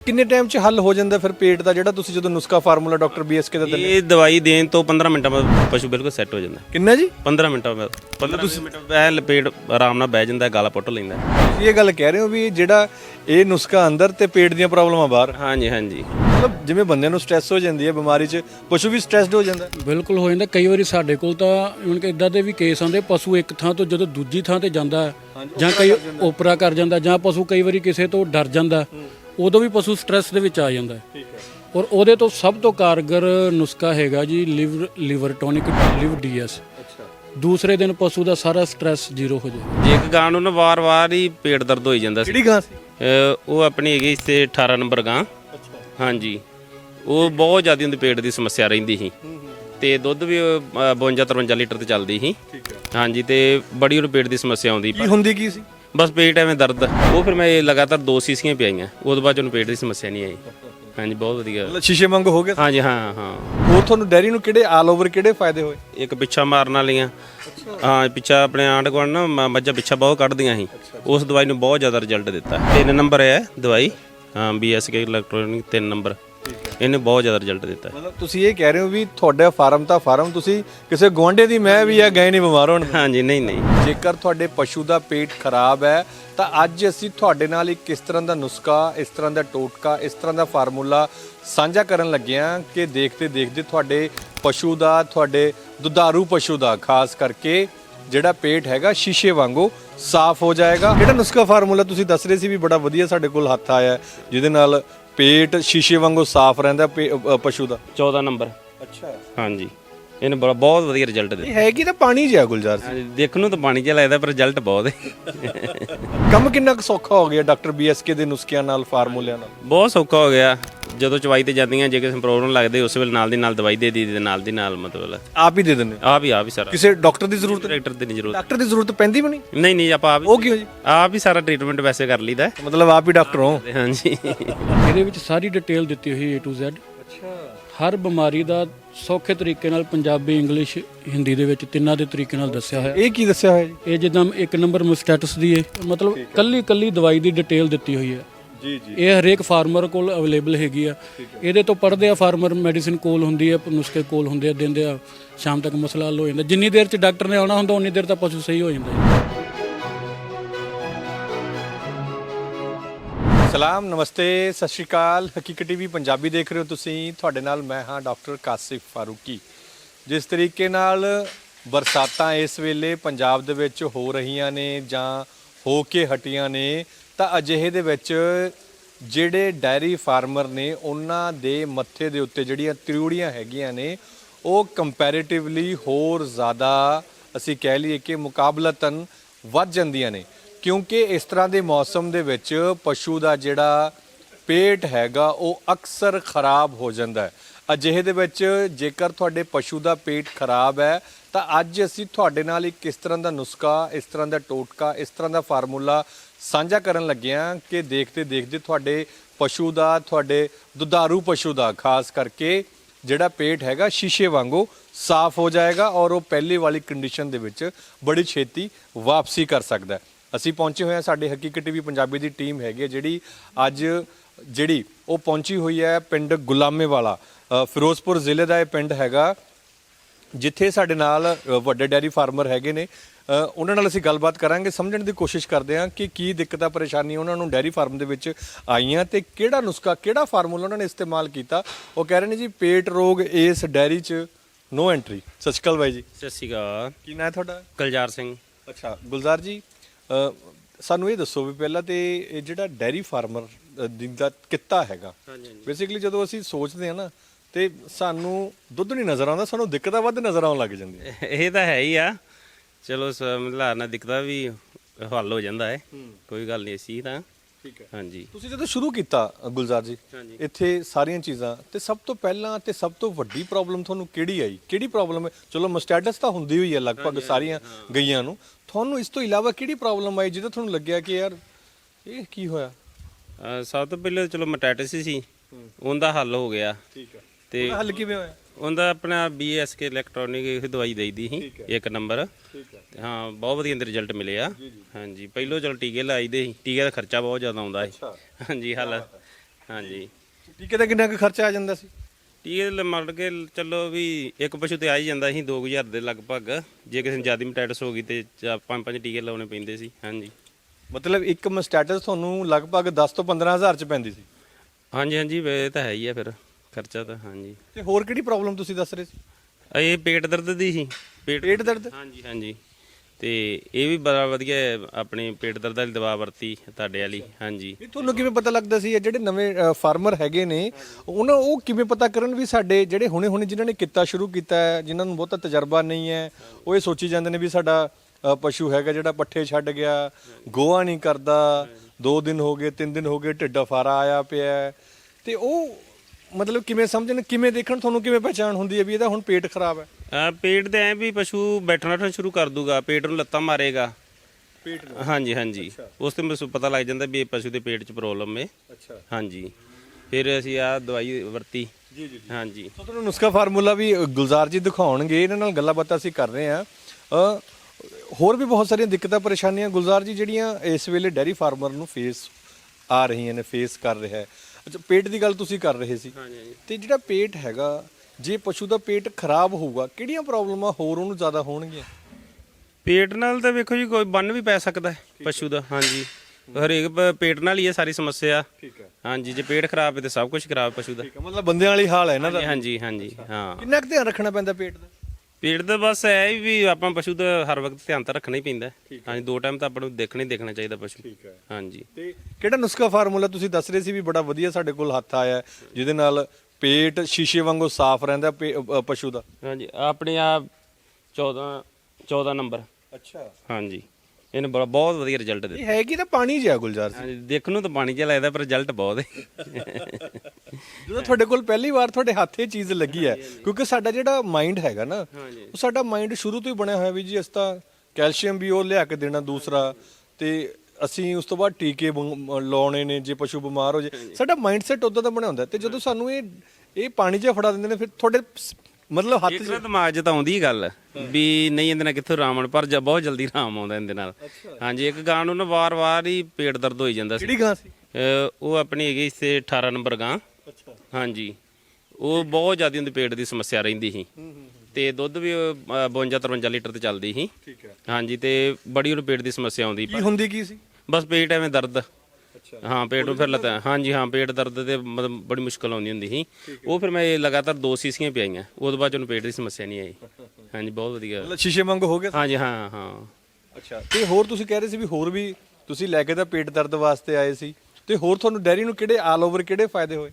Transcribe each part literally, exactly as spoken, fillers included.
ਕਿੰਨੇ ਟਾਈਮ 'ਚ ਹੱਲ ਹੋ ਜਾਂਦਾ ਫਿਰ ਪੇਟ ਦਾ ਜਿਹੜਾ ਤੁਸੀਂ ਜਦੋਂ ਨੁਸਖਾ ਫਾਰਮੂਲਾ ਡਾਕਟਰ ਬੀਐਸਕੇ ਦਾ ਦਿੰਦੇ? ਇਹ ਦਵਾਈ ਦੇਣ ਤੋਂ ਪੰਦਰਾਂ ਮਿੰਟਾਂ ਬਾਅਦ ਪਸ਼ੂ ਬਿਲਕੁਲ ਸੈੱਟ ਹੋ ਜਾਂਦਾ। ਕਿੰਨਾ ਜੀ? ਪੰਦਰਾਂ ਮਿੰਟਾਂ ਬਾਅਦ ਪੰਦਰਾਂ ਮਿੰਟ ਐ ਲਪੇਟ ਆਰਾਮ ਨਾਲ ਬਹਿ ਜਾਂਦਾ, ਗਲਾ ਪੁੱਟ ਲੈਂਦਾ। ਤੁਸੀਂ ਇਹ ਗੱਲ ਕਹਿ ਰਹੇ ਹੋ ਵੀ ਜਿਹੜਾ ਇਹ ਨੁਸਖਾ ਅੰਦਰ ਤੇ ਪੇਟ ਦੀਆਂ ਪ੍ਰੋਬਲਮਾਂ ਬਾਹਰ। ਹਾਂਜੀ ਹਾਂਜੀ, ਮਤਲਬ ਜਿਵੇਂ ਬੰਦਿਆਂ ਨੂੰ ਸਟ੍ਰੈਸ ਹੋ ਜਾਂਦੀ ਹੈ ਬਿਮਾਰੀ 'ਚ, ਪਸ਼ੂ ਵੀ ਸਟ੍ਰੈਸਡ ਹੋ ਜਾਂਦਾ। ਬਿਲਕੁਲ ਹੋ ਜਾਂਦਾ। ਕਈ ਵਾਰੀ ਸਾਡੇ ਕੋਲ ਤਾਂ ਹੁਣ ਕਿ ਇਦਾਂ ਦੇ ਵੀ ਕੇਸ ਆਉਂਦੇ, ਪਸ਼ੂ ਇੱਕ ਥਾਂ ਤੋਂ ਜਦੋਂ ਦੂਜੀ ਥਾਂ ਤੇ ਜਾਂਦਾ ਹੈ, ਜਾਂ ਕਈ ਓਪਰਾ ਕਰ ਜਾਂਦਾ, ਜਾਂ ਪਸ਼ੂ ਕਈ ਵਾਰੀ ਕਿਸੇ ਤੋਂ ਡਰ ਜਾਂਦਾ, ਉਦੋਂ ਵੀ ਪਸ਼ੂ ਸਟ੍ਰੈਸ ਦੇ ਵਿੱਚ ਆ ਜਾਂਦਾ ਹੈ। ਔਰ ਉਹਦੇ ਤੋਂ ਸਭ ਤੋਂ ਕਾਰਗਰ ਨੁਸਖਾ ਹੈਗਾ ਜੀ liver liver tonic Liv DS. ਦੂਸਰੇ ਦਿਨ ਪਸ਼ੂ ਦਾ ਸਾਰਾ ਸਟ੍ਰੈਸ ਜ਼ੀਰੋ ਹੋ ਜਾਏ। ਜੇ ਇੱਕ ਗਾਂ ਨੂੰ ਨਾ ਵਾਰ-ਵਾਰ ਹੀ ਪੇਟ ਦਰਦ ਹੋਈ ਜਾਂਦਾ ਸੀ। ਕਿਹੜੀ ਗਾਂ ਸੀ? ਅਹ ਉਹ ਆਪਣੀ ਹੈਗੀ ਇੱਥੇ ਅਠਾਰਾਂ ਨੰਬਰ ਗਾਂ। ਹਾਂਜੀ, ਉਹ ਬਹੁਤ ਜ਼ਿਆਦਾ ਉਹਦੇ ਪੇਟ ਦੀ ਸਮੱਸਿਆ ਰਹਿੰਦੀ ਸੀ ਤੇ ਦੁੱਧ ਵੀ ਬਵੰਜਾ ਤਰਵੰਜਾ ਲੀਟਰ ਤੇ ਚੱਲਦੀ ਸੀ। ਹਾਂਜੀ, ਤੇ ਬੜੀ ਉਹਨੂੰ ਪੇਟ ਦੀ ਸਮੱਸਿਆ ਆਉਂਦੀ। ਕੀ ਹੁੰਦੀ ਕੀ ਸੀ? ਬਸ ਪੇਟ ਐਵੇਂ ਦਰਦ। ਉਹ ਫਿਰ ਮੈਂ ਲਗਾਤਾਰ ਦੋ ਸੀਸੀਆਂ ਪਿਆਈਆਂ, ਉਹਦੇ ਬਾਅਦ ਉਹਨੂੰ ਪੇਟ ਦੀ ਸਮੱਸਿਆ ਨਹੀਂ ਆਈ। ਹਾਂਜੀ, ਬਹੁਤ ਵਧੀਆ। ਮਤਲਬ ਸ਼ੀਸ਼ੇ ਵਾਂਗੂ ਹੋ ਗਿਆ। ਹਾਂਜੀ ਹਾਂ ਹਾਂ। ਉਹ ਤੁਹਾਨੂੰ ਡੈਰੀ ਨੂੰ ਕਿਹੜੇ ਆਲ ਓਵਰ ਕਿਹੜੇ ਫਾਇਦੇ ਹੋਏ? ਇੱਕ ਪਿੱਛਾ ਮਾਰਨ ਵਾਲੀਆਂ, ਹਾਂ ਪਿੱਛਾ ਆਪਣੇ ਆਂਢ ਗੁਆਂਢ ਨਾ ਮ- ਮੱਝਾਂ ਪਿੱਛਾ ਬਹੁਤ ਕੱਢਦੀਆਂ ਸੀ, ਉਸ ਦਵਾਈ ਨੂੰ ਬਹੁਤ ਜ਼ਿਆਦਾ ਰਿਜ਼ਲਟ ਦਿੱਤਾ। ਤਿੰਨ ਨੰਬਰ ਹੈ ਦਵਾਈ, ਹਾਂ ਬੀ ਐਸ ਕੇ ਇਲੈਕਟ੍ਰੋਨਿਕ ਤਿੰਨ ਨੰਬਰ, ਇਹਨੇ ਬਹੁਤ ਜ਼ਿਆਦਾ ਰਿਜ਼ਲਟ ਦਿੱਤਾ। ਮਤਲਬ ਤੁਸੀਂ ਇਹ ਕਹਿ ਰਹੇ ਹੋ ਵੀ ਤੁਹਾਡਾ ਫਾਰਮ ਤਾਂ ਫਾਰਮ, ਤੁਸੀਂ ਕਿਸੇ ਗੁਆਂਢੇ ਦੀ ਮੈਂ ਵੀ ਆ ਗਏ ਨਹੀਂ ਬਿਮਾਰ ਹੋਣ। ਹਾਂਜੀ, ਨਹੀਂ ਨਹੀਂ। ਜੇਕਰ ਤੁਹਾਡੇ ਪਸ਼ੂ ਦਾ ਪੇਟ ਖਰਾਬ ਹੈ ਤਾਂ ਅੱਜ ਅਸੀਂ ਤੁਹਾਡੇ ਨਾਲ ਇੱਕ ਇਸ ਤਰ੍ਹਾਂ ਦਾ ਨੁਸਖਾ, ਇਸ ਤਰ੍ਹਾਂ ਦਾ ਟੋਟਕਾ, ਇਸ ਤਰ੍ਹਾਂ ਦਾ ਫਾਰਮੂਲਾ ਸਾਂਝਾ ਕਰਨ ਲੱਗੇ ਹਾਂ ਕਿ ਦੇਖਦੇ ਦੇਖਦੇ ਤੁਹਾਡੇ ਪਸ਼ੂ ਦਾ, ਤੁਹਾਡੇ ਦੁਧਾਰੂ ਪਸ਼ੂ ਦਾ ਖਾਸ ਕਰਕੇ ਜਿਹੜਾ ਪੇਟ ਹੈਗਾ ਸ਼ੀਸ਼ੇ ਵਾਂਗੂ ਸਾਫ਼ ਹੋ ਜਾਏਗਾ। ਜਿਹੜਾ ਨੁਸਖਾ ਫਾਰਮੂਲਾ ਤੁਸੀਂ ਦੱਸ ਰਹੇ ਸੀ ਵੀ ਬੜਾ ਵਧੀਆ ਸਾਡੇ ਕੋਲ ਹੱਥ ਆਇਆ, ਜਿਹਦੇ ਨਾਲ ਪੇਟ ਸ਼ੀਸ਼ੇ ਵਾਂਗੂ ਸਾਫ਼ ਰਹਿੰਦਾ ਪਸ਼ੂ ਦਾ। ਚੌਦਾਂ ਨੰਬਰ। ਅੱਛਾ। ਹਾਂਜੀ, ਇਹਨੇ ਬੜਾ ਬਹੁਤ ਵਧੀਆ ਰਿਜ਼ਲਟ ਦਿੱਤਾ। ਇਹ ਹੈ ਕਿ ਤਾਂ ਪਾਣੀ ਜਿਹਾ ਗੁਲਜ਼ਾਰ ਸੀ। ਹਾਂਜੀ, ਦੇਖਣ ਨੂੰ ਤਾਂ ਪਾਣੀ ਜਿਹਾ ਲੱਗਦਾ ਪਰ ਰਿਜ਼ਲਟ ਬਹੁਤ ਹੈ। ਕੰਮ ਕਿੰਨਾ ਕੁ ਸੌਖਾ ਹੋ ਗਿਆ ਡਾਕਟਰ ਬੀਐਸਕੇ ਦੇ ਨੁਸਖਿਆਂ ਨਾਲ, ਫਾਰਮੂਲਿਆਂ ਨਾਲ? ਬਹੁਤ ਸੌਖਾ ਹੋ ਗਿਆ। ਜਦੋਂ ਚਵਾਈ ਤੇ ਜਾਂਦੀਆਂ, ਜੇ ਕਿਸੇ ਨੂੰ ਪ੍ਰੋਬਲਮ ਲੱਗਦੇ ਉਸ ਵੇਲੇ ਨਾਲ ਦੀ ਨਾਲ ਦਵਾਈ ਦੇ ਦੀ ਤੇ ਨਾਲ ਦੀ ਨਾਲ ਮਤਲਬ ਆਪ ਹੀ ਦੇ ਦਿੰਦੇ? ਆਪ ਹੀ ਆਪ ਹੀ ਸਾਰਾ। ਕਿਸੇ ਡਾਕਟਰ ਦੀ ਜ਼ਰੂਰਤ? ਡਾਕਟਰ ਦੀ ਨਹੀਂ ਜ਼ਰੂਰਤ। ਡਾਕਟਰ ਦੀ ਜ਼ਰੂਰਤ ਪੈਂਦੀ ਵੀ ਨਹੀਂ? ਨਹੀਂ ਨਹੀਂ, ਆਪਾਂ ਆਪ ਉਹ ਕਿਉਂ ਜੀ? ਆਪ ਹੀ ਸਾਰਾ ਟ੍ਰੀਟਮੈਂਟ ਵੈਸੇ ਕਰ ਲਈਦਾ। ਮਤਲਬ ਆਪ ਹੀ ਡਾਕਟਰ ਹੋ? ਹਾਂਜੀ। ਇਹਦੇ ਵਿੱਚ ਸਾਰੀ ਡਿਟੇਲ ਦਿੱਤੀ ਹੋਈ A to Z। ਅੱਛਾ। ਹਰ ਬਿਮਾਰੀ ਦਾ ਸੌਖੇ ਤਰੀਕੇ ਨਾਲ ਪੰਜਾਬੀ, ਇੰਗਲਿਸ਼, ਹਿੰਦੀ ਦੇ ਵਿੱਚ ਤਿੰਨਾਂ ਦੇ ਤਰੀਕੇ ਨਾਲ ਦੱਸਿਆ ਹੋਇਆ। ਇਹ ਕੀ ਦੱਸਿਆ ਹੋਇਆ ਜੀ? ਇਹ ਜਿੱਦਾਂ ਇੱਕ ਨੰਬਰ ਮਸਟੈਟਸ ਦੀ ਹੈ, ਮਤਲਬ ਕੱਲੀ ਕੱਲੀ ਦਵਾਈ ਦੀ ਡਿਟੇਲ ਦਿੱਤੀ ਹੋਈ ਹੈ। ਜੀ ਜੀ। ਇਹ ਹਰੇਕ ਫਾਰਮਰ ਕੋਲ ਅਵੇਲੇਬਲ ਹੈਗੀ ਆ। ਇਹਦੇ ਤੋਂ ਪੜ੍ਹਦੇ ਆ ਫਾਰਮਰ, ਮੈਡੀਸਿਨ ਕੋਲ ਹੁੰਦੀ ਹੈ, ਨੁਸਖੇ ਕੋਲ ਹੁੰਦੇ ਆ, ਦਿੰਦੇ ਆ, ਸ਼ਾਮ ਤੱਕ ਮਸਲਾ ਹੱਲ ਹੋ ਜਾਂਦਾ। ਜਿੰਨੀ ਦੇਰ 'ਚ ਡਾਕਟਰ ਨੇ ਆਉਣਾ ਹੁੰਦਾ ਉਨੀ ਦੇਰ ਤਾਂ ਪਸ਼ੂ ਸਹੀ ਹੋ ਜਾਂਦਾ ਹੈ। ਸਲਾਮ, ਨਮਸਤੇ, ਸਤਿ ਸ਼੍ਰੀ ਅਕਾਲ। ਹਕੀਕਤ ਟੀਵੀ ਪੰਜਾਬੀ ਦੇਖ ਰਹੇ ਹੋ ਤੁਸੀਂ। ਤੁਹਾਡੇ ਨਾਲ ਮੈਂ ਹਾਂ ਡਾਕਟਰ ਕਾਸਿਫ ਫਾਰੂਕੀ। ਜਿਸ ਤਰੀਕੇ ਨਾਲ ਬਰਸਾਤਾਂ ਇਸ ਵੇਲੇ ਪੰਜਾਬ ਦੇ ਵਿੱਚ ਹੋ ਰਹੀਆਂ ਨੇ ਜਾਂ ਹੋ ਕੇ ਹਟੀਆਂ ਨੇ, ਤਾਂ ਅਜਿਹੇ ਦੇ ਵਿੱਚ ਜਿਹੜੇ ਡਾਇਰੀ ਫਾਰਮਰ ਨੇ ਉਹਨਾਂ ਦੇ ਮੱਥੇ ਦੇ ਉੱਤੇ ਜਿਹੜੀਆਂ ਤਿਊੜੀਆਂ ਹੈਗੀਆਂ ਨੇ ਉਹ ਕੰਪੈਰੀਟਿਵਲੀ ਹੋਰ ਜ਼ਿਆਦਾ, ਅਸੀਂ ਕਹਿ ਲਈਏ ਕਿ ਮੁਕਾਬਲਤਨ ਵੱਧ ਜਾਂਦੀਆਂ ਨੇ, ਕਿਉਂਕਿ ਇਸ ਤਰ੍ਹਾਂ ਦੇ ਮੌਸਮ ਦੇ ਵਿੱਚ ਪਸ਼ੂ ਦਾ ਜਿਹੜਾ ਪੇਟ ਹੈਗਾ ਉਹ ਅਕਸਰ ਖਰਾਬ ਹੋ ਜਾਂਦਾ ਹੈ। ਅਜਿਹੇ ਦੇ ਵਿੱਚ ਜੇਕਰ ਤੁਹਾਡੇ ਪਸ਼ੂ ਦਾ ਪੇਟ ਖਰਾਬ ਹੈ ਤਾਂ ਅੱਜ ਅਸੀਂ ਤੁਹਾਡੇ ਨਾਲ ਇੱਕ ਇਸ ਤਰ੍ਹਾਂ ਦਾ ਨੁਸਖਾ, ਇਸ ਤਰ੍ਹਾਂ ਦਾ ਟੋਟਕਾ, ਇਸ ਤਰ੍ਹਾਂ ਦਾ ਫਾਰਮੂਲਾ ਸਾਂਝਾ ਕਰਨ ਲੱਗੇ ਹਾਂ ਕਿ ਦੇਖਦੇ ਦੇਖਦੇ ਤੁਹਾਡੇ ਪਸ਼ੂ ਦਾ, ਤੁਹਾਡੇ ਦੁਧਾਰੂ ਪਸ਼ੂ ਦਾ ਖਾਸ ਕਰਕੇ ਜਿਹੜਾ ਪੇਟ ਹੈਗਾ ਸ਼ੀਸ਼ੇ ਵਾਂਗੂ ਸਾਫ਼ ਹੋ ਜਾਏਗਾ ਔਰ ਉਹ ਪਹਿਲੇ ਵਾਲੀ ਕੰਡੀਸ਼ਨ ਦੇ ਵਿੱਚ ਬੜੀ ਛੇਤੀ ਵਾਪਸੀ ਕਰ ਸਕਦਾ ਹੈ। ਅਸੀਂ ਪਹੁੰਚੇ ਹੋਏ ਹਾਂ, ਸਾਡੇ ਹਕੀਕਤ ਟੀਵੀ ਪੰਜਾਬੀ ਦੀ ਟੀਮ ਹੈਗੀ ਜਿਹੜੀ ਅੱਜ ਜਿਹੜੀ ਉਹ ਪਹੁੰਚੀ ਹੋਈ ਹੈ ਪਿੰਡ ਗੁਲਾਮੇ ਵਾਲਾ, ਫਿਰੋਜ਼ਪੁਰ ਜ਼ਿਲ੍ਹੇ ਦਾ ਇਹ ਪਿੰਡ ਹੈਗਾ, ਜਿੱਥੇ ਸਾਡੇ ਨਾਲ ਵੱਡੇ ਡੈਰੀ ਫਾਰਮਰ ਹੈਗੇ ਨੇ। ਉਹਨਾਂ ਨਾਲ ਅਸੀਂ ਗੱਲਬਾਤ ਕਰਾਂਗੇ, ਸਮਝਣ ਦੀ ਕੋਸ਼ਿਸ਼ ਕਰਦੇ ਹਾਂ ਕਿ ਕੀ ਦਿੱਕਤਾਂ ਪਰੇਸ਼ਾਨੀ ਉਹਨਾਂ ਨੂੰ ਡੈਰੀ ਫਾਰਮ ਦੇ ਵਿੱਚ ਆਈਆਂ ਤੇ ਕਿਹੜਾ ਨੁਸਖਾ, ਕਿਹੜਾ ਫਾਰਮੂਲਾ ਉਹਨਾਂ ਨੇ ਇਸਤੇਮਾਲ ਕੀਤਾ। ਉਹ ਕਹਿ ਰਹੇ ਨੇ ਜੀ ਪੇਟ ਰੋਗ ਇਸ ਡੈਰੀ 'ਚ ਨੋ ਐਂਟਰੀ। ਸਤਿ ਸ਼੍ਰੀ ਅਕਾਲ ਬਾਈ ਜੀ। ਸਤਿ ਸ਼੍ਰੀ ਅਕਾਲ। ਕੀ ਨਾਂ ਹੈ ਤੁਹਾਡਾ? ਗੁਲਜ਼ਾਰ ਸਿੰਘ। ਅੱਛਾ ਗੁਲਜ਼ਾਰ ਜੀ, ਸਾਨੂੰ ਇਹ ਦੱਸੋ ਵੀ ਪਹਿਲਾਂ ਤੇ ਇਹ ਜਿਹੜਾ ਡੈਰੀ ਫਾਰਮਰ ਦਾ ਕਿੱਤਾ ਹੈਗਾ, ਬੇਸਿਕਲੀ ਜਦੋਂ ਅਸੀਂ ਸੋਚਦੇ ਹਾਂ ਨਾ ਤੇ ਸਾਨੂੰ ਦੁੱਧ ਨਹੀਂ ਨਜ਼ਰ ਆਉਂਦਾ, ਸਾਨੂੰ ਦਿੱਕਤਾਂ ਵੱਧ ਨਜ਼ਰ ਆਉਣ ਲੱਗ ਜਾਂਦੀਆਂ। ਇਹ ਤਾਂ ਹੈ ਹੀ ਆ, ਚਲੋ ਮਤਲਬ ਨਾਲ ਦਿੱਕਤਾਂ ਵੀ ਹੱਲ ਹੋ ਜਾਂਦਾ ਹੈ, ਕੋਈ ਗੱਲ ਨਹੀਂ ਸੀ ਤਾਂ। ਠੀਕ ਹੈ। ਹਾਂਜੀ, ਤੁਸੀਂ ਜਦੋਂ ਸ਼ੁਰੂ ਕੀਤਾ ਗੁਲਜ਼ਾਰ ਜੀ ਇੱਥੇ ਸਾਰੀਆਂ ਚੀਜ਼ਾਂ, ਤੇ ਸਭ ਤੋਂ ਪਹਿਲਾਂ ਤੇ ਸਭ ਤੋਂ ਵੱਡੀ ਪ੍ਰੋਬਲਮ ਤੁਹਾਨੂੰ ਕਿਹੜੀ ਆਈ? ਕਿਹੜੀ ਪ੍ਰੋਬਲਮ ਹੈ? ਚਲੋ ਮਸਟੈਟਸ ਤਾਂ ਹੁੰਦੀ ਹੋਈ ਹੈ ਲਗਭਗ ਸਾਰੀਆਂ ਗਈਆਂ ਨੂੰ, ਤੁਹਾਨੂੰ ਇਸ ਤੋਂ ਇਲਾਵਾ ਕਿਹੜੀ ਪ੍ਰੋਬਲਮ ਆਈ ਜਿਹਦਾ ਤੁਹਾਨੂੰ ਲੱਗਿਆ ਕਿ ਯਾਰ ਇਹ ਕੀ ਹੋਇਆ? ਸਭ ਤੋਂ ਪਹਿਲਾਂ ਚਲੋ ਮਟੈਟਸ ਸੀ, ਉਹਦਾ ਹੱਲ ਹੋ ਗਿਆ। ਠੀਕ ਹੈ। ਤੇ ਹੱਲ ਕਿਵੇਂ ਹੋਇਆ? ਉਹਦਾ ਆਪਣਾ ਬੀ ਐਸ ਕੇ ਇਲੈਕਟ੍ਰੋਨਿਕ ਇਹ ਦਵਾਈ ਦੇਈਦੀ ਸੀ ਇੱਕ ਨੰਬਰ। ਹਾਂ, ਬਹੁਤ ਵਧੀਆ ਇਹਦੇ ਰਿਜ਼ਲਟ ਮਿਲੇ ਆ। ਹਾਂਜੀ, ਪਹਿਲੋਂ ਚਲੋ ਟੀਕੇ ਲਾਈਦੇ ਸੀ, ਟੀਕੇ ਦਾ ਖਰਚਾ ਬਹੁਤ ਜ਼ਿਆਦਾ ਆਉਂਦਾ ਸੀ। ਹਾਂਜੀ, ਹੱਲ ਹਾਂਜੀ ਟੀਕੇ ਦਾ ਕਿੰਨਾ ਕੁ ਖਰਚਾ ਆ ਜਾਂਦਾ ਸੀ? ਟੀਕੇ ਮੰਨ ਕੇ ਚੱਲੋ ਵੀ ਇੱਕ ਪਸ਼ੂ ਤੇ ਆ ਹੀ ਜਾਂਦਾ ਸੀ ਦੋ ਹਜ਼ਾਰ ਦੇ ਲਗਭਗ। ਜੇ ਕਿਸੇ ਨੂੰ ਜ਼ਿਆਦਾ ਮਟੈਟਸ ਹੋ ਗਈ ਤੇ ਚਾਰ ਪੰਜ ਪੰਜ ਟੀਕੇ ਲਾਉਣੇ ਪੈਂਦੇ ਸੀ। ਹਾਂਜੀ ਮਤਲਬ ਇੱਕ ਮਸਟੈਟਸ ਤੁਹਾਨੂੰ ਲਗਭਗ ਦਸ ਤੋਂ ਪੰਦਰਾਂ ਹਜ਼ਾਰ ਚ ਪੈਂਦੀ ਸੀ? ਹਾਂਜੀ ਹਾਂਜੀ ਇਹ ਤਾਂ ਹੈ ਹੀ ਆ ਫਿਰ ਖਰਚਾ ਤਾਂ। ਹਾਂਜੀ ਤੇ ਹੋਰ ਕਿਹੜੀ ਪ੍ਰੋਬਲਮ ਤੁਸੀਂ ਦੱਸ ਰਹੇ ਸੀ? ਇਹ ਪੇਟ ਦਰਦ ਦੀ ਸੀ। ਪੇਟ ਪੇਟ ਦਰਦ? ਹਾਂਜੀ ਹਾਂਜੀ ਤੇ ਇਹ ਵੀ ਬੜਾ ਵਧੀਆ ਆਪਣੀ ਪੇਟ ਦਰਦ ਵਾਲੀ ਦਵਾ ਵਰਤੀ ਤੁਹਾਡੇ ਵਾਲੀ। ਹਾਂਜੀ ਇਹ ਤੁਹਾਨੂੰ ਕਿਵੇਂ ਪਤਾ ਲੱਗਦਾ ਸੀ ਇਹ ਜਿਹੜੇ ਨਵੇਂ ਫਾਰਮਰ ਹੈਗੇ ਨੇ ਉਹਨਾਂ ਉਹ ਕਿਵੇਂ ਪਤਾ ਕਰਨ ਵੀ ਸਾਡੇ ਜਿਹੜੇ ਹੁਣੇ ਹੁਣੇ ਜਿਨ੍ਹਾਂ ਨੇ ਕਿੱਤਾ ਸ਼ੁਰੂ ਕੀਤਾ ਹੈ, ਜਿਨ੍ਹਾਂ ਨੂੰ ਬਹੁਤਾ ਤਜਰਬਾ ਨਹੀਂ ਹੈ, ਉਹ ਇਹ ਸੋਚੀ ਜਾਂਦੇ ਨੇ ਵੀ ਸਾਡਾ ਅ, ਪਸ਼ੂ ਹੈਗਾ ਜਿਹੜਾ ਪੱਠੇ ਛੱਡ ਗਿਆ, ਗੋਹਾ ਨਹੀਂ ਕਰਦਾ, ਦੋ ਦਿਨ ਹੋ ਗਏ ਤਿੰਨ ਦਿਨ ਹੋ ਗਏ ਢਿੱਡ ਫਾਰਾ ਆਇਆ ਪਿਆ ਹੈ, ਤੇ ਉਹ ਮਤਲਬ ਕਿਵੇਂ ਸਮਝਣ, ਕਿਵੇਂ ਦੇਖਣ, ਤੁਹਾਨੂੰ ਕਿਵੇਂ ਪਹਿਚਾਣ ਹੁੰਦੀ ਹੈ ਵੀ ਇਹਦਾ ਹੁਣ ਪੇਟ ਖਰਾਬ ਹੈ? ਆ ਪੇਟ ਤੇ ਐ ਵੀ ਪਸ਼ੂ ਬੈਠਣਾ ਉੱਠਣਾ ਸ਼ੁਰੂ ਕਰ ਦੂਗਾ, ਪੇਟ ਨੂੰ ਲੱਤਾਂ ਮਾਰੇਗਾ। ਪੇਟ ਨੂੰ? ਹਾਂਜੀ ਹਾਂਜੀ ਉਸ ਤੇ ਮੈਨੂੰ ਪਤਾ ਲੱਗ ਜਾਂਦਾ ਵੀ ਇਹ ਪਸ਼ੂ ਦੇ ਪੇਟ 'ਚ ਪ੍ਰੋਬਲਮ ਹੈ। ਅੱਛਾ ਹਾਂਜੀ ਫਿਰ ਅਸੀਂ ਆ ਦਵਾਈ ਵਰਤੀ। ਜੀ ਜੀ ਹਾਂਜੀ ਸੋ ਤੁਹਾਨੂੰ ਨੁਸਖਾ ਫਾਰਮੂਲਾ ਵੀ ਗੁਲਜ਼ਾਰ ਜੀ ਦਿਖਾਉਣਗੇ, ਇਹਨਾਂ ਨਾਲ ਗੱਲਾਂ ਬਾਤਾਂ ਅਸੀਂ ਕਰ ਰਹੇ ਹਾਂ। ਅ, ਹੋਰ ਵੀ ਬਹੁਤ ਸਾਰੀਆਂ ਦਿੱਕਤਾਂ ਪਰੇਸ਼ਾਨੀਆਂ ਗੁਲਜ਼ਾਰ ਜੀ ਜਿਹੜੀਆਂ ਇਸ ਵੇਲੇ ਡੈਰੀ ਫਾਰਮਰ ਨੂੰ ਫੇਸ ਆ ਰਹੀਆਂ ਨੇ, ਫੇਸ ਕਰ ਰਿਹਾ ਹੈ। ਅੱਛਾ ਪੇਟ ਦੀ ਗੱਲ ਤੁਸੀਂ ਕਰ ਰਹੇ ਸੀ, ਤੇ ਜਿਹੜਾ ਪੇਟ ਹੈਗਾ ਜੇ ਪਸ਼ੂ ਦਾ ਪੇਟ ਖਰਾਬ ਹੋਊਗਾ ਕਿਹੜੀਆਂ ਪ੍ਰੋਬਲਮਾਂ ਹੋਰ ਉਹਨੂੰ ਜ਼ਿਆਦਾ ਹੋਣਗੀਆਂ? ਪੇਟ ਨਾਲ ਤਾਂ ਵੇਖੋ ਜੀ ਕੋਈ ਬੰਨ ਵੀ ਪੈ ਸਕਦਾ ਹੈ ਪਸ਼ੂ ਦਾ। ਹਾਂਜੀ ਹਰੇਕ ਪ- ਪੇਟ ਨਾਲ ਹੀ ਇਹ ਸਾਰੀ ਸਮੱਸਿਆ। ਠੀਕ ਹੈ ਹਾਂਜੀ ਜੇ ਪੇਟ ਖਰਾਬ ਹੈ ਤੇ ਸਭ ਕੁਝ ਖਰਾਬ ਪਸ਼ੂ ਦਾ। ਠੀਕ ਹੈ, ਮਤਲਬ ਬੰਦਿਆਂ ਵਾਲੀ ਹਾਲ ਹੈ ਇਹਨਾਂ ਦਾ। ਹਾਂਜੀ ਹਾਂਜੀ ਹਾਂ ਕਿੰਨਾ ਕੁ ਧਿਆਨ ਰੱਖਣਾ ਪੈਂਦਾ ਪੇਟ ਦਾ? ਪੇਟ ਦਾ ਬਸ ਇਹ ਹੀ ਵੀ ਆਪਾਂ ਪਸ਼ੂ ਦਾ ਹਰ ਵਕਤ ਧਿਆਨ ਤਾਂ ਰੱਖਣਾ ਹੀ ਪੈਂਦਾ। ਹਾਂਜੀ ਦੋ ਟਾਈਮ ਤਾਂ ਆਪਾਂ ਨੂੰ ਦੇਖਣਾ ਹੀ ਦੇਖਣਾ ਚਾਹੀਦਾ ਪਸ਼ੂ। ਠੀਕ ਹੈ। ਹਾਂਜੀ ਤੇ ਕਿਹੜਾ ਨੁਸਖਾ ਫਾਰਮੂਲਾ ਤੁਸੀਂ ਦੱਸ ਰਹੇ ਸੀ ਵੀ ਬੜਾ ਵਧੀਆ ਸਾਡੇ ਕੋਲ ਹੱਥ ਆਇਆ ਹੈ, ਜਿਹਦੇ ਨਾਲ ਪੇਟ ਸ਼ੀਸ਼ੇ ਵਾਂਗੂ ਸਾਫ਼ ਰਹਿੰਦਾ ਪੇ- ਅ, ਪਸ਼ੂ ਦਾ? ਹਾਂਜੀ ਆਪਣੇ ਆ ਚੌਦਾਂ ਚੌਦਾਂ ਨੰਬਰ। ਅੱਛਾ ਹਾਂਜੀ ਇਹਨੇ ਬੜਾ ਬਹੁਤ ਵਧੀਆ ਰਿਜ਼ਲਟ ਦਿੱਤਾ। ਇਹ ਹੈ ਕਿ ਤਾਂ ਪਾਣੀ ਜਿਹਾ ਗੁਲਜ਼ਾਰ ਸੀ? ਹਾਂਜੀ ਦੇਖਣ ਨੂੰ ਤਾਂ ਪਾਣੀ ਜਿਹਾ ਲੱਗਦਾ ਪਰ ਰਿਜ਼ਲਟ ਬਹੁਤ ਹੈ। ਜਦੋਂ ਤੁਹਾਡੇ ਕੋਲ ਪਹਿਲੀ ਵਾਰ ਤੁਹਾਡੇ ਹੱਥ ਇਹ ਚੀਜ਼ ਲੱਗੀ ਹੈ, ਕਿਉਂਕਿ ਸਾਡਾ ਜਿਹੜਾ ਮਾਈਂਡ ਹੈਗਾ ਨਾ ਉਹ ਸਾਡਾ ਮਾਈਂਡ ਸ਼ੁਰੂ ਤੋਂ ਹੀ ਬਣਿਆ ਹੋਇਆ ਵੀ ਜੀ ਅਸੀਂ ਤਾਂ ਕੈਲਸ਼ੀਅਮ ਵੀ ਉਹ ਲਿਆ ਕੇ ਦੇਣਾ ਦੂਸਰਾ, ਤੇ ਅਸੀਂ ਉਸ ਤੋਂ ਬਾਅਦ ਟੀਕੇ ਬੰ- ਲਾਉਣੇ ਨੇ ਜੇ ਪਸ਼ੂ ਬਿਮਾਰ ਹੋ ਜਾਏ। ਸਾਡਾ ਮਾਈਂਡ ਸੈਟ ਉਦਾਂ ਦਾ ਬਣਿਆ ਹੁੰਦਾ, ਤੇ ਜਦੋਂ ਸਾਨੂੰ ਇਹ ਇਹ ਪਾਣੀ ਜਿਹਾ ਫੜਾ ਦਿੰਦੇ ਨੇ ਫਿਰ ਤੁਹਾਡੇ ਸ- ਮਤਲਬ ਹੱਥ ਇੱਕ ਨਾ ਦਿਮਾਗ 'ਚ ਤਾਂ ਆਉਂਦੀ ਹੀ ਗੱਲ ਵੀ ਨਹੀਂ ਇਹਦੇ ਨਾਲ ਕਿੱਥੋਂ ਆਰਾਮ ਆਉਣਾ, ਪਰ ਜਾਂ ਬਹੁਤ ਜਲਦੀ ਆਰਾਮ ਆਉਂਦਾ ਇਹਦੇ ਨਾਲ। ਹਾਂਜੀ ਇੱਕ ਗਾਂ ਨੂੰ ਨਾ ਵਾਰ-ਵਾਰ ਹੀ ਪੇਟ ਦਰਦ ਹੋਈ ਜਾਂਦਾ ਸੀ। ਕਿਹੜੀ ਗਾਂ ਸੀ? ਅਹ ਉਹ ਆਪਣੀ ਹੈਗੀ ਸੀ ਅਠਾਰਾਂ ਨੰਬਰ ਗਾਂ। ਅੱਛਾ ਹਾਂਜੀ ਉਹ ਬਹੁਤ ਜ਼ਿਆਦਾ ਉਹਦੇ ਪੇਟ ਦੀ ਸਮੱਸਿਆ ਰਹਿੰਦੀ ਸੀ, ਤੇ ਦੁੱਧ ਵੀ ਉਹ ਬਵੰਜਾ ਤਰਵੰਜਾ ਲੀਟਰ ਤੇ ਚੱਲਦੀ ਸੀ। ਠੀਕ ਹੈ। ਹਾਂਜੀ ਤੇ ਬੜੀ ਉਹਨੂੰ ਪੇਟ ਦੀ ਸਮੱਸਿਆ ਆਉਂਦੀ। ਕੀ ਹੁੰਦੀ ਕੀ ਸੀ? ਬਸ ਪੇਟ ਐਵੇਂ ਦਰਦ। ਅੱਛਾ ਹਾਂ ਪੇਟ ਨੂੰ ਫਿਰ ਲੱਤਾਂ। ਹਾਂਜੀ ਹਾਂ ਪੇਟ ਦਰਦ ਤੇ ਮਤਲਬ ਬੜੀ ਮੁਸ਼ਕਲ ਆਉਂਦੀ ਹੁੰਦੀ ਸੀ। ਉਹ ਫਿਰ ਮੈਂ ਇਹ ਲਗਾਤਾਰ ਦੋ ਸੀਸੀਆਂ ਪਿਆਈਆਂ, ਉਹਦੇ ਬਾਅਦ 'ਚ ਉਹਨੂੰ ਪੇਟ ਦੀ ਸਮੱਸਿਆ ਨਹੀਂ ਆਈ। ਹਾਂਜੀ ਬਹੁਤ ਵਧੀਆ। ਮਤਲਬ ਸ਼ੀਸ਼ੇ ਵਾਂਗੂ ਹੋ ਗਿਆ? ਹਾਂਜੀ ਹਾਂ ਹਾਂ ਅੱਛਾ ਤੇ ਹੋਰ ਤੁਸੀਂ ਕਹਿ ਰਹੇ ਸੀ ਵੀ ਹੋਰ ਵੀ ਤੁਸੀਂ ਲੈ ਕੇ ਤਾਂ ਪੇਟ ਦਰਦ ਵਾਸਤੇ ਆਏ ਸੀ, ਤੇ ਹੋਰ ਤੁਹਾਨੂੰ ਡੈਰੀ ਨੂੰ ਕਿਹੜੇ ਆਲ ਓਵਰ ਕਿਹੜੇ ਫਾਇਦੇ ਹੋਏ?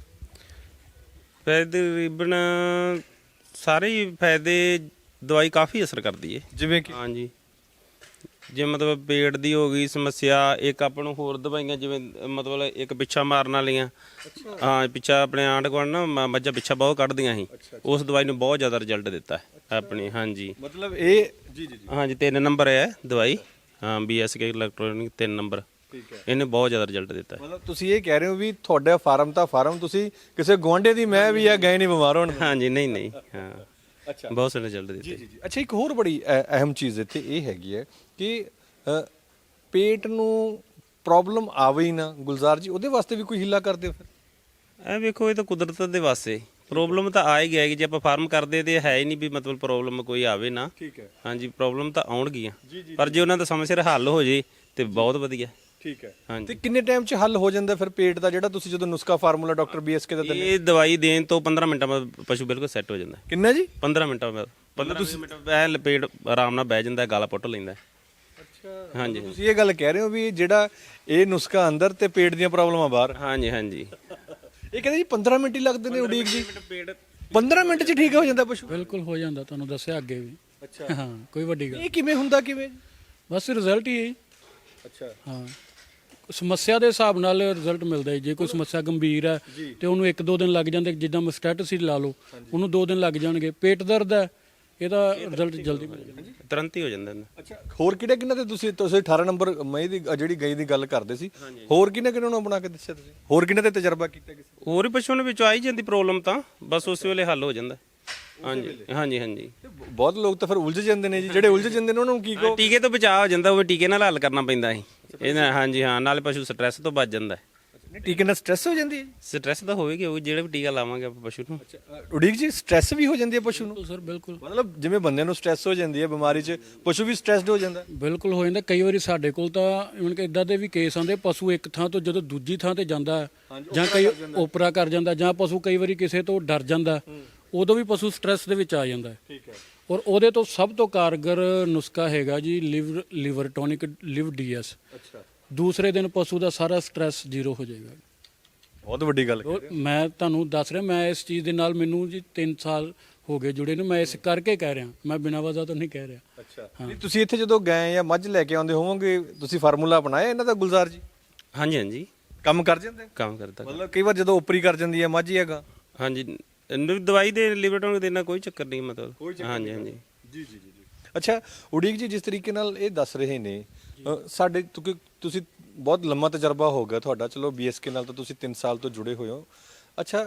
ਫਾਇਦੇ ਤਕਰੀਬਨ ਸਾਰੇ ਹੀ ਫਾਇਦੇ, ਦਵਾਈ ਕਾਫੀ ਅਸਰ ਕਰਦੀ ਹੈ। ਜਿਵੇਂ ਕਿ? ਹਾਂਜੀ ਜੇ ਮਤਲਬ ਪੇਟ ਦੀ ਹੋ ਗਈ ਸਮੱਸਿਆ, ਇੱਕ ਆਪਾਂ ਨੂੰ ਹੋਰ ਦਵਾਈਆਂ ਜਿਵੇਂ ਮਤਲਬ ਇੱਕ ਪਿੱਛਾ ਮਾਰਨ ਵਾਲੀਆਂ। ਹਾਂ ਪਿੱਛਾ ਆਪਣੇ ਆਂਢ ਗੁਆਂਢ ਨਾ ਮ- ਮੱਝਾਂ ਪਿੱਛਾ ਬਹੁਤ ਕੱਢਦੀਆਂ ਸੀ, ਉਸ ਦਵਾਈ ਨੂੰ ਬਹੁਤ ਜ਼ਿਆਦਾ ਰਿਜ਼ਲਟ ਦਿੱਤਾ ਹੈ ਆਪਣੀ। ਹਾਂਜੀ ਮਤਲਬ ਇਹ ਜੀ ਜੀ ਜੀ ਹਾਂਜੀ ਤਿੰਨ ਨੰਬਰ ਹੈ ਦਵਾਈ। ਹਾਂ ਬੀ ਐਸ ਕੇ ਇਲੈਕਟ੍ਰੋਨਿਕ ਤਿੰਨ ਨੰਬਰ। ਠੀਕ ਹੈ। ਇਹਨੇ ਬਹੁਤ ਜ਼ਿਆਦਾ ਰਿਜ਼ਲਟ ਦਿੱਤਾ ਹੈ। ਮਤਲਬ ਤੁਸੀਂ ਇਹ ਕਹਿ ਰਹੇ ਹੋ ਵੀ ਤੁਹਾਡਾ ਫਾਰਮ ਤਾਂ ਫਾਰਮ, ਤੁਸੀਂ ਕਿਸੇ ਗੁਆਂਢੇ ਦੀ ਮੈਂ ਵੀ ਆ ਗਏ ਨਹੀਂ ਬਿਮਾਰ ਹੋਣ? ਹਾਂਜੀ ਨਹੀਂ ਨਹੀਂ ਹਾਂ ਅੱਛਾ ਬਹੁਤ ਸਾਰੇ ਰਿਜ਼ਲਟ ਦਿੱਤੇ। ਜੀ ਜੀ ਜੀ ਅੱਛਾ ਇੱਕ ਹੋਰ ਬੜੀ ਅ- ਅਹਿਮ ਚੀਜ਼ ਇੱਥੇ ਇਹ ਹੈਗੀ ਹੈ ਕਿ ਅ, ਪੇਟ ਨੂੰ ਪ੍ਰੋਬਲਮ ਆਵੇ ਹੀ ਨਾ ਗੁਲਜ਼ਾਰ ਜੀ, ਉਹਦੇ ਵਾਸਤੇ ਵੀ ਕੋਈ ਹੀਲਾ ਕਰਦੇ ਹੋ ਫਿਰ? ਇਹ ਵੇਖੋ ਇਹ ਤਾਂ ਕੁਦਰਤ ਦੇ ਵਾਸਤੇ ਪ੍ਰੋਬਲਮ ਤਾਂ ਆ ਹੀ ਗਿਆ ਕਿ ਜੇ ਆਪਾਂ ਫਾਰਮ ਕਰਦੇ ਤੇ ਹੈ ਹੀ ਨਹੀਂ ਵੀ ਮਤਲਬ ਪ੍ਰੋਬਲਮ ਕੋਈ ਆਵੇ ਨਾ। ਠੀਕ ਹੈ। ਹਾਂਜੀ ਪ੍ਰੋਬਲਮ ਤਾਂ ਆਉਣਗੀਆਂ, ਪਰ ਜੇ ਉਹਨਾਂ ਦਾ ਸਮੇਂ ਸਿਰ ਹੱਲ ਹੋ ਜੇ ਤੇ ਬਹੁਤ ਵਧੀਆ। ਠੀਕ ਹੈ। ਹਾਂਜੀ ਤੇ ਕਿੰਨੇ ਟਾਈਮ 'ਚ ਹੱਲ ਹੋ ਜਾਂਦਾ ਫਿਰ ਪੇਟ ਦਾ, ਜਿਹੜਾ ਤੁਸੀਂ ਜਦੋਂ ਨੁਸਖਾ ਫਾਰਮੂਲਾ ਡਾਕਟਰ ਬੀਐਸਕੇ ਦਾ ਦਿੰਦੇ? ਇਹ ਦਵਾਈ ਦੇਣ ਤੋਂ ਪੰਦਰਾਂ ਮਿੰਟਾਂ ਬਾਅਦ ਪਸ਼ੂ ਬਿਲਕੁਲ ਸੈੱਟ ਹੋ ਜਾਂਦਾ। ਕਿੰਨਾ ਜੀ? ਪੰਦਰਾਂ ਮਿੰਟਾਂ ਬਾਅਦ ਪੰਦਰਾਂ ਮਿੰਟ ਐ ਲਪੇਟ ਆਰਾਮ ਨਾਲ ਬਹਿ ਜਾਂਦਾ, ਗਾਲਾ ਪੁੱਟ ਲੈਂਦਾ। ਅੱਛਾ ਹਾਂਜੀ ਤੁਸੀਂ ਇਹ ਗੱਲ ਕਹਿ ਰਹੇ ਹੋ ਵੀ ਜਿਹੜਾ ਇਹ ਨੁਸਖਾ ਅੰਦਰ ਤੇ ਪੇਟ ਦੀਆਂ ਪ੍ਰੋਬਲਮਾਂ ਬਾਹਰ? ਹਾਂਜੀ ਹਾਂਜੀ ਇਹ ਕਹਿੰਦੇ ਜੀ ਪੰਦਰਾਂ ਮਿੰਟ ਹੀ ਲੱਗਦੇ ਨੇ ਉਡੀਕ ਜੀ? ਪੇਟ ਪੰਦਰਾਂ ਮਿੰਟ 'ਚ ਠੀਕ ਹੋ ਜਾਂਦਾ ਪਸ਼ੂ? ਬਿਲਕੁਲ ਹੋ ਜਾਂਦਾ, ਤੁਹਾਨੂੰ ਦੱਸਿਆ ਅੱਗੇ ਵੀ। ਅੱਛਾ ਹਾਂ ਕੋਈ ਵੱਡੀ ਗੱਲ ਇਹ ਕਿਵੇਂ ਹੁੰਦਾ, ਕਿਵੇਂ? ਬਸ ਰਿਜ਼ਲਟ ਹੀ ਹੈ ਜੀ। ਅੱਛਾ ਹਾਂ ਸਮੱਸਿਆ ਦੇ ਹਿਸਾਬ ਨਾਲ ਰਿਜ਼ਲਟ ਮਿਲਦਾ ਹੈ। ਜੇ ਕੋਈ ਸਮੱਸਿਆ ਗੰਭੀਰ ਹੈ ਤੇ ਉਹਨੂੰ ਇੱਕ ਦੋ ਦਿਨ ਲੱਗ ਜਾਂਦੇ, ਜਿੱਦਾਂ ਮਸਟੈਟਸ ਹੀ ਲਾ ਲਓ, ਉਹਨੂੰ ਦੋ ਦਿਨ ਲੱਗ ਜਾਣਗੇ। ਪੇਟ ਦਰਦ ਹੈ, ਇਹਦਾ ਰਿਜ਼ਲਟ ਜਲਦੀ ਮਿਲ ਜਾਂਦਾ। ਤੁਰੰਤ ਹੀ ਹੋ ਜਾਂਦਾ ਇਹਦਾ। ਅੱਛਾ ਹੋਰ ਕਿਹੜੇ ਕਿਹਨਾਂ ਤੇ ਤੁਸੀਂ ਤੁਸੀਂ ਅਠਾਰਾਂ ਨੰਬਰ ਮਈ ਦੀ ਜਿਹੜੀ ਗਈ ਦੀ ਗੱਲ ਕਰਦੇ ਸੀ, ਹੋਰ ਕਿਹਨੇ ਕਿਹਨਾਂ ਨੂੰ ਬਣਾ ਕੇ ਦੱਸਿਆ ਤੁਸੀਂ? ਹੋਰ ਕਿਹਨਾਂ ਤੇ ਤਜਰਬਾ ਕੀਤਾ ਕਿਸੇ? ਹੋਰ ਹੀ ਪਸ਼ੂਆਂ ਦੇ ਵਿੱਚ ਆਈ ਜਾਂਦੀ ਪ੍ਰੋਬਲਮ ਤਾਂ ਬਸ ਉਸ ਵੇਲੇ ਹੱਲ ਹੋ ਜਾਂਦਾ। ਹਾਂਜੀ ਹਾਂਜੀ ਹਾਂਜੀ ਤੇ ਬਹੁਤ ਲੋਕ ਤਾਂ ਫਿਰ ਉਲਝ ਜਾਂਦੇ ਨੇ ਜੀ, ਜਿਹੜੇ ਉਲਝ ਜਾਂਦੇ ਨੇ ਉਹਨਾਂ ਨੂੰ ਕੀ ਕਹੋ? ਟੀਕੇ ਤੋਂ ਬਚਾਅ ਹੋ ਜਾਂਦਾ, ਉਹ ਵੀ ਟੀਕੇ ਨਾਲ ਹੱਲ ਕਰਨਾ ਪੈਂਦਾ ਸੀ ਇਹਨਾਂ। ਹਾਂਜੀ ਹਾਂ ਨਾਲੇ ਪਸ਼ੂ ਸਟ੍ਰੈਸ ਤੋਂ ਬਚ ਜਾਂਦਾ। ਟੀਕੇ ਨਾਲ ਸਟ੍ਰੈਸ ਹੋ ਜਾਂਦੀ ਹੈ ਜੀ? ਸਟ੍ਰੈਸ ਤਾਂ ਹੋਵੇਗੀ ਉਹ ਜਿਹੜੇ ਵੀ ਟੀਕਾ ਲਾਵਾਂਗੇ ਆਪਾਂ ਪਸ਼ੂ ਨੂੰ। ਅ, ਉਡੀਕ ਜੀ ਸਟ੍ਰੈਸ ਵੀ ਹੋ ਜਾਂਦੀ ਹੈ ਪਸ਼ੂ ਨੂੰ? ਬਿਲਕੁਲ ਸਰ ਬਿਲਕੁਲ ਮਤਲਬ ਜਿਵੇਂ ਬੰਦਿਆਂ ਨੂੰ ਸਟ੍ਰੈਸ ਹੋ ਜਾਂਦੀ ਹੈ ਬਿਮਾਰੀ 'ਚ, ਪਸ਼ੂ ਵੀ ਸਟ੍ਰੈਸਡ ਹੋ ਜਾਂਦਾ? ਬਿਲਕੁਲ ਹੋ ਜਾਂਦਾ। ਕਈ ਵਾਰੀ ਸਾਡੇ ਕੋਲ ਤਾਂ ਇਵਨ ਕਿ ਇਦਾਂ ਦੇ ਵੀ ਕੇਸ ਆਉਂਦੇ, ਪਸ਼ੂ ਇੱਕ ਥਾਂ ਤੋਂ ਜਦੋਂ ਦੂਜੀ ਥਾਂ ਤੇ ਜਾਂਦਾ ਹੈ, ਜਾਂ ਕਈ ਓਪਰਾ ਕਰ ਜਾਂਦਾ, ਜਾਂ ਪਸ਼ੂ ਕਈ ਵਾਰੀ ਕਿਸੇ ਤੋਂ ਡਰ ਜਾਂਦਾ, ਉਦੋਂ ਵੀ ਪਸ਼ੂ ਸਟ੍ਰੈਸ ਦੇ ਵਿੱਚ ਆ ਜਾਂਦਾ ਹੈ। ਠੀਕ ਹੈ। ਔਰ ਉਹਦੇ ਤੋਂ ਸਭ ਤੋਂ ਕਾਰਗਰ ਨੁਸਖਾ ਹੈਗਾ ਜੀ liver liver tonic Liv DS. ਅੱਛਾ, ਦੂਸਰੇ ਦਿਨ ਪਸ਼ੂ ਦਾ ਸਾਰਾ ਸਟ੍ਰੈਸ ਜ਼ੀਰੋ ਹੋ ਜਾਏਗਾ। ਬਹੁਤ ਵੱਡੀ ਗੱਲ ਔਰ ਮੈਂ ਤੁਹਾਨੂੰ ਦੱਸ ਰਿਹਾ, ਮੈਂ ਇਸ ਚੀਜ਼ ਦੇ ਨਾਲ ਮੈਨੂੰ ਜੀ ਤਿੰਨ ਸਾਲ ਹੋ ਗਏ ਜੁੜੇ ਨੂੰ, ਮੈਂ ਇਸ ਕਰਕੇ ਕਹਿ ਰਿਹਾ, ਮੈਂ ਬਿਨਾਂ ਵਜ੍ਹਾ ਤੋਂ ਨਹੀਂ ਕਹਿ ਰਿਹਾ। ਅੱਛਾ, ਨਹੀਂ ਤੁਸੀਂ ਇੱਥੇ ਜਦੋਂ ਗਏ ਜਾਂ ਮੱਝ ਲੈ ਕੇ ਆਉਂਦੇ ਹੋਵੋਗੇ, ਤੁਸੀਂ ਫਾਰਮੂਲਾ ਬਣਾਇਆ ਇਹਨਾਂ ਦਾ ਗੁਲਜ਼ਾਰ ਜੀ? ਹਾਂਜੀ ਹਾਂਜੀ ਕੰਮ ਕਰ ਜਾਂਦੇ? ਕੰਮ ਕਰਦਾ। ਮਤਲਬ ਕਈ ਵਾਰ ਜਦੋਂ ਉਪਰੀ ਕਰ ਜਾਂਦੀ ਹੈ ਮੱਝ ਹੀ ਹੈਗਾ? ਹਾਂਜੀ ਇਹਨੂੰ ਦਵਾਈ ਦੇ ਲਿਵਰਟੋਨ ਦੇਣਾ ਕੋਈ ਚੱਕਰ ਨਹੀਂ ਮਤਲਬ। ਹਾਂਜੀ ਹਾਂਜੀ ਜੀ ਜੀ ਜੀ। ਅੱਛਾ ਉਡੀਕ ਜੀ, ਜਿਸ ਤਰੀਕੇ ਨਾਲ ਇਹ ਦੱਸ ਰਹੇ ਨੇ ਅ, ਸਾਡੇ ਕਿਉਂਕਿ ਤੁਸੀਂ ਬਹੁਤ ਲੰਮਾ ਤਜਰਬਾ ਹੋ ਗਿਆ ਤੁਹਾਡਾ, ਚਲੋ ਬੀਐਸਕੇ ਨਾਲ ਤਾਂ ਤੁਸੀਂ ਤਿੰਨ ਸਾਲ ਤੋਂ ਜੁੜੇ ਹੋਏ ਹੋ। ਅੱਛਾ,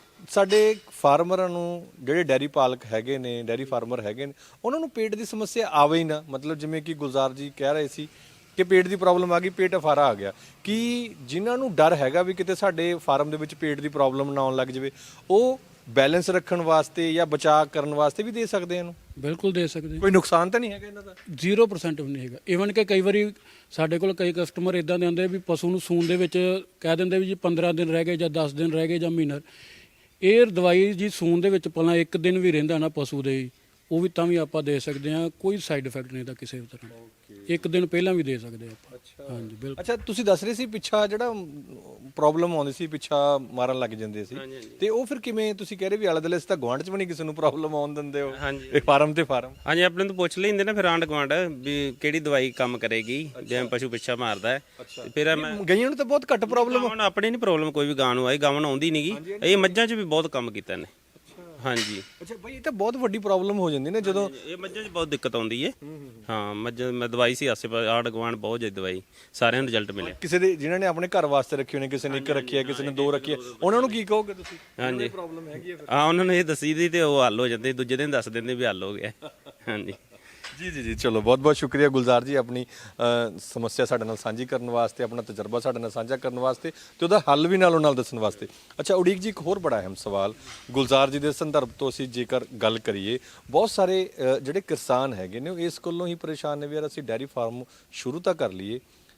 ਸਾਡੇ ਫਾਰਮਰਾਂ ਨੂੰ ਜਿਹੜੇ ਡੈਰੀ ਪਾਲਕ ਹੈਗੇ ਨੇ, ਡੈਰੀ ਫਾਰਮਰ ਹੈਗੇ ਨੇ, ਉਹਨਾਂ ਨੂੰ ਪੇਟ ਦੀ ਸਮੱਸਿਆ ਆਵੇ ਹੀ ਨਾ, ਮਤਲਬ ਜਿਵੇਂ ਕਿ ਗੁਲਜ਼ਾਰ ਜੀ ਕਹਿ ਰਹੇ ਸੀ ਕਿ ਪੇਟ ਦੀ ਪ੍ਰੋਬਲਮ ਆ ਗਈ, ਪੇਟ ਅਫਾਰਾ ਆ ਗਿਆ, ਕਿ ਜਿਨ੍ਹਾਂ ਨੂੰ ਡਰ ਹੈਗਾ ਵੀ ਕਿਤੇ ਸਾਡੇ ਫਾਰਮ ਦੇ ਵਿੱਚ ਪੇਟ ਦੀ ਪ੍ਰੋਬਲਮ ਨਾ ਆਉਣ ਲੱਗ ਜਾਵੇ, ਉਹ ਬੈਲੈਂਸ ਰੱਖਣ ਵਾਸਤੇ ਜਾਂ ਬਚਾਅ ਕਰਨ ਵਾਸਤੇ ਵੀ ਦੇ ਸਕਦੇ ਇਹਨੂੰ? ਬਿਲਕੁਲ ਦੇ ਸਕਦੇ, ਕੋਈ ਨੁਕਸਾਨ ਤਾਂ ਨਹੀਂ ਹੈਗਾ ਇਹਨਾਂ ਦਾ? ਜ਼ੀਰੋ ਪਰਸੈਂਟ ਵੀ ਨਹੀਂ ਹੈਗਾ। ਇਵਨ ਕਿ ਕਈ ਵਾਰੀ ਸਾਡੇ ਕੋਲ ਕਈ ਕਸਟਮਰ ਇਦਾਂ ਦੇ ਆਉਂਦੇ ਵੀ ਪਸ਼ੂ ਨੂੰ ਸੂਣ ਦੇ ਵਿੱਚ ਕਹਿ ਦਿੰਦੇ ਵੀ ਜੀ ਪੰਦਰਾਂ ਦਿਨ ਰਹਿ ਗਏ ਜਾਂ ਦਸ ਦਿਨ ਰਹਿ ਗਏ ਜਾਂ ਮਹੀਨਾ। ਇਹ ਦਵਾਈ ਜੀ ਸੂਣ ਦੇ ਵਿੱਚ ਪਹਿਲਾਂ ਇੱਕ ਦਿਨ ਵੀ ਰਹਿੰਦਾ ਨਾ ਪਸ਼ੂ ਦੇ, ਉਹ ਵੀ ਤਾਂ ਵੀ ਆਪਾਂ ਦੇ ਸਕਦੇ ਹਾਂ, ਕੋਈ ਸਾਈਡ ਇਫੈਕਟ ਨਹੀਂ ਦਾ ਕਿਸੇ ਵੀ ਤਰ੍ਹਾਂ। ਇੱਕ ਦਿਨ ਪਹਿਲਾਂ ਵੀ ਦੇ ਸਕਦੇ ਆਪਾਂ। ਹਾਂਜੀ ਬਿਲਕੁਲ। ਅੱਛਾ, ਤੁਸੀਂ ਦੱਸ ਰਹੇ ਸੀ ਪਿੱਛਾ ਜਿਹੜਾ ਪ੍ਰੋਬਲਮ ਆਉਂਦੀ ਸੀ, ਪਿੱਛਾ ਮਾਰਨ ਲੱਗ ਜਾਂਦੇ ਸੀ, ਤੇ ਉਹ ਫਿਰ ਕਿਵੇਂ? ਤੁਸੀਂ ਕਹਿ ਰਹੇ ਵੀ ਆਲੇ ਦੁਆਲੇ ਤਾਂ ਗੁਆਂਢ 'ਚ ਵੀ ਨਹੀਂ ਕਿਸੇ ਨੂੰ ਪ੍ਰੋਬਲਮ ਆਉਣ ਦਿੰਦੇ ਹੋ, ਇਹ ਫਾਰਮ ਤੇ ਫਾਰਮ? ਹਾਂਜੀ ਆਪਣੇ ਤੋਂ ਪੁੱਛ ਲੈਂਦੇ ਨਾ ਫਿਰ ਆਂਢ ਗੁਆਂਢ ਵੀ ਕਿਹੜੀ ਦਵਾਈ ਕੰਮ ਕਰੇਗੀ, ਜਿਵੇਂ ਪਸ਼ੂ ਪਿੱਛਾ ਮਾਰਦਾ ਹੈ। ਤੇ ਫਿਰ ਮੈਂ ਗਈਆਂ ਨੂੰ ਤਾਂ ਬਹੁਤ ਘੱਟ ਪ੍ਰੋਬਲਮ। ਹੁਣ ਆਪਣੀ ਨਹੀਂ ਪ੍ਰੋਬਲਮ ਕੋਈ ਵੀ, ਗਾਂ ਨੂੰ ਆਈ, ਗਾਂ ਨੂੰ ਆਉਂਦੀ ਨਹੀਂਗੀ। ਇਹ ਮੱਝਾਂ 'ਚ ਵੀ ਬਹੁਤ ਕੰਮ ਕੀਤਾ ਨੇ। ਹਾਂਜੀ। ਅੱਛਾ ਭਾਈ, ਇਹ ਤਾਂ ਬਹੁਤ ਵੱਡੀ ਪ੍ਰੋਬਲਮ ਹੋ ਜਾਂਦੀ ਨੇ ਜਦੋਂ ਇਹ ਮੱਝਾਂ 'ਚ ਬਹੁਤ ਦਿੱਕਤ ਆਉਂਦੀ ਹੈ। ਹਾਂ ਮੱਝ ਮੈਂ ਦਵਾਈ ਸੀ ਆਸੇ ਪਾਸੇ ਆਂਢ ਗੁਆਂਢ ਬਹੁਤ ਜ਼ਿਆਦਾ ਦਵਾਈ, ਸਾਰਿਆਂ ਨੂੰ ਰਿਜ਼ਲਟ ਮਿਲਿਆ। ਕਿਸੇ ਦੇ ਜਿਨ੍ਹਾਂ ਨੇ ਆਪਣੇ ਘਰ ਵਾਸਤੇ ਰੱਖੇ ਹੋਣੇ, ਕਿਸੇ ਨੇ ਇੱਕ ਰੱਖੀ ਹੈ, ਕਿਸੇ ਨੇ ਦੋ ਰੱਖੀ ਹੈ, ਉਹਨਾਂ ਨੂੰ ਕੀ ਕਹੋਗੇ ਤੁਸੀਂ? ਹਾਂਜੀ ਪ੍ਰੋਬਲਮ ਹੈਗੀ ਹੈ ਫਿਰ? ਹਾਂ ਉਹਨਾਂ ਨੂੰ ਇਹ ਦੱਸੀ ਦੀ ਤੇ ਉਹ ਹੱਲ ਹੋ ਜਾਂਦੇ, ਦੂਜੇ ਦਿਨ ਦੱਸ ਦਿੰਦੇ ਵੀ ਹੱਲ ਹੋ ਗਿਆ। ਹਾਂਜੀ ਜੀ ਜੀ ਜੀ, ਚਲੋ ਬਹੁਤ ਬਹੁਤ ਸ਼ੁਕਰੀਆ ਗੁਲਜ਼ਾਰ ਜੀ, ਆਪਣੀ ਅ, ਸਮੱਸਿਆ ਸਾਡੇ ਨਾਲ ਸਾਂਝੀ ਕਰਨ ਵਾਸਤੇ, ਆਪਣਾ ਤਜਰਬਾ ਸਾਡੇ ਨਾਲ ਸਾਂਝਾ ਕਰਨ ਵਾਸਤੇ, ਤੇ ਉਹਦਾ ਹੱਲ ਵੀ ਨਾਲੋਂ ਨਾਲ ਦੱਸਣ ਵਾਸਤੇ। ਅੱਛਾ ਉਡੀਕ ਜੀ, ਇੱਕ ਹੋਰ ਬੜਾ ਅਹਿਮ ਸਵਾਲ ਗੁਲਜ਼ਾਰ ਜੀ ਦੇ ਸੰਦਰਭ ਤੋਂ ਅਸੀਂ ਜੇਕਰ ਗੱਲ ਕਰੀਏ, ਬਹੁਤ ਸਾਰੇ ਅ, ਜਿਹੜੇ ਕਿਸਾਨ ਹੈਗੇ ਨੇ ਉਹ ਇਸ ਕੋਲੋਂ ਹੀ ਪਰੇਸ਼ਾਨ ਨੇ ਵੀ ਯਾਰ ਅਸੀਂ ਡੈਰੀ ਫਾਰਮ ਸ਼ੁਰੂ ਤਾਂ ਕਰ ਲਈਏ,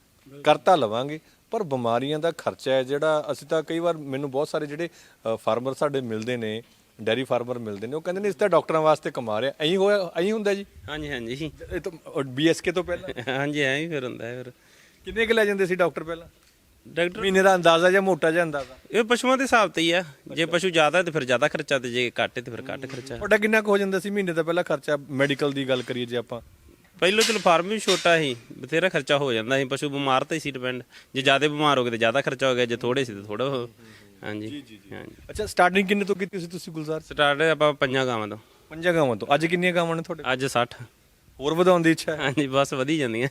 ਕਰ ਤਾਂ ਲਵਾਂਗੇ, ਪਰ ਬਿਮਾਰੀਆਂ ਦਾ ਖਰਚਾ ਹੈ ਜਿਹੜਾ, ਅਸੀਂ ਤਾਂ ਕਈ ਵਾਰ ਮੈਨੂੰ ਬਹੁਤ ਸਾਰੇ ਜਿਹੜੇ ਫਾਰਮਰ ਸਾਡੇ ਮਿਲਦੇ ਨੇ, ਡੈਰੀ ਫਾਰਮਰ ਮਿਲਦੇ ਨੇ, ਉਹ ਕਹਿੰਦੇ ਨੇ ਇਸ ਤਾਂ ਡਾਕਟਰਾਂ ਵਾਸਤੇ ਕਮਾ ਰਿਹਾ। ਐਂ ਹੋਇਆ, ਐਂ ਹੁੰਦਾ ਜੀ? ਹਾਂਜੀ ਹਾਂਜੀ ਇਹ ਤਾਂ ਬੀਐਸਕੇ ਤੋਂ ਪਹਿਲਾਂ ਹਾਂਜੀ ਐਂ ਹੀ ਫਿਰ ਹੁੰਦਾ ਹੈ। ਫਿਰ ਕਿੰਨੇ ਕੁ ਲੈ ਜਾਂਦੇ ਸੀ ਡਾਕਟਰ ਪਹਿਲਾਂ? ਡਾਕਟਰ ਮਹੀਨੇ ਦਾ ਅੰਦਾਜ਼ਾ ਜਾਂ ਮੋਟਾ ਜਿਹਾ ਅੰਦਾਜ਼ਾ? ਇਹ ਪਸ਼ੂਆਂ ਦੇ ਹਿਸਾਬ ਤੇ ਹੀ ਆ, ਜੇ ਪਸ਼ੂ ਜ਼ਿਆਦਾ ਤੇ ਫਿਰ ਜ਼ਿਆਦਾ ਖਰਚਾ, ਤੇ ਜੇ ਘੱਟ ਤੇ ਫਿਰ ਘੱਟ ਖਰਚਾ। ਤੁਹਾਡਾ ਕਿੰਨਾ ਕੁ ਹੋ ਜਾਂਦਾ ਸੀ ਮਹੀਨੇ ਦਾ ਪਹਿਲਾਂ ਖਰਚਾ? ਮੈਡੀਕਲ ਦੀ ਗੱਲ ਕਰੀਏ ਜੇ ਆਪਾਂ, ਪਹਿਲਾਂ ਚਲੋ ਫਾਰਮ ਵੀ ਛੋਟਾ ਸੀ, ਬਥੇਰਾ ਖਰਚਾ ਹੋ ਜਾਂਦਾ ਸੀ, ਪਸ਼ੂ ਬਿਮਾਰ ਤਾਂ ਹੀ ਸੀ ਡਿਪੈਂਡ, ਜੇ ਜ਼ਿਆਦਾ ਬਿਮਾਰ ਹੋ ਗਏ ਤਾਂ ਜ਼ਿਆਦਾ ਖਰਚਾ ਹੋ ਗਿਆ, ਜੇ ਥੋੜੇ ਸੀ ਤਾਂ ਥੋੜਾ ਹੋ। ਹਾਂਜੀ ਹਾਂਜੀ। ਅੱਛਾ ਸਟਾਰਟਿੰਗ ਕਿੰਨੇ ਤੋਂ ਕੀਤੀ ਸੀ ਤੁਸੀਂ ਗੁਲਜ਼ਾਰ? ਸਟਾਰਟ ਆਪਾਂ ਪੰਜਾਂ ਗਾਵਾਂ ਤੋਂ। ਪੰਜਾਂ ਗਾਵਾਂ ਤੋਂ। ਅੱਜ ਕਿੰਨੀਆਂ ਗਾਵਾਂ ਨੇ ਤੁਹਾਡੇ? ਅੱਜ ਸੱਠ। ਹੋਰ ਵਧਾਉਣ ਦੀ ਇੱਛਾ ਹੈ? ਹਾਂਜੀ ਬਸ ਵਧੀ ਜਾਂਦੀਆਂ।